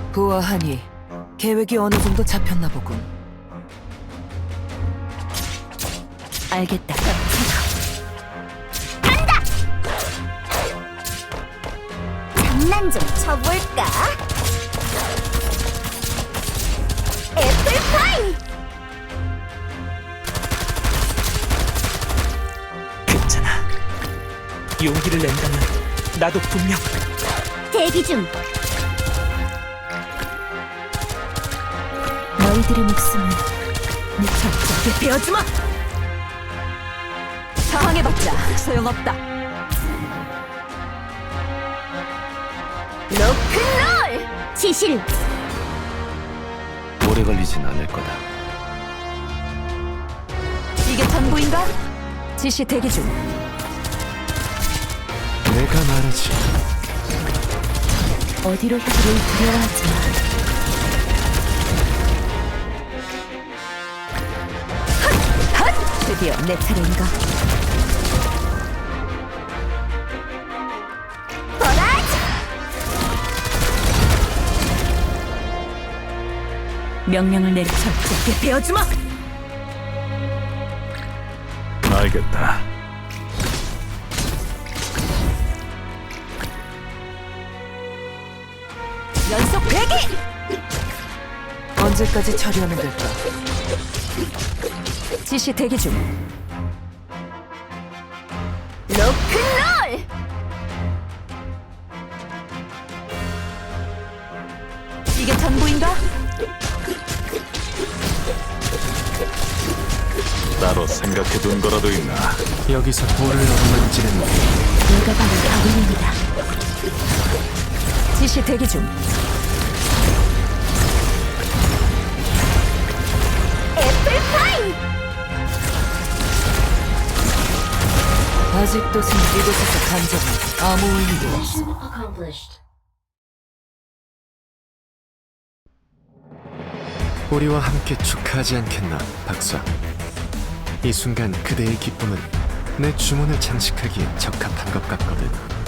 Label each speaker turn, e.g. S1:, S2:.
S1: 보아하니 계획이 어느 정도 잡혔나 보군.
S2: 알겠다.
S3: 장난 좀 쳐볼까? 애플파이!
S4: 괜찮아. 용기를 낸다면 나도 분명
S3: 대기 중.
S2: 너희들의 목숨은 내 적에게 베어주마! 저항해봤자 소용없다.
S3: 로큰롤! 지실!
S5: 오래 걸리진 않을 거다.
S2: 이게 전부인가? 지시 대기 중.
S5: 내가 말하지.
S2: 어디로 가기를 두려워하지 마. 드디어 내 차례인가?
S3: 보라지!
S2: 명령을 내려 적에게 베어주마!
S5: 알겠다.
S2: 연속 배기!
S1: 언제까지 처리하면 될까?
S2: 지시 대기 중.
S3: 로큰롤!
S2: 이게 전부인가?
S5: 따로 생각해둔 거라도 있나? 여기서 볼을 엉망지는
S2: 내가 바로 가군입니다. 지시 대기 중.
S3: 애플파이!
S1: 아직도 이곳에서 감정은 아무 의미도 없어.
S5: 우리와 함께 축하하지 않겠나, 박사? 이 순간 그대의 기쁨은 내 주문을 장식하기에 적합한 것 같거든.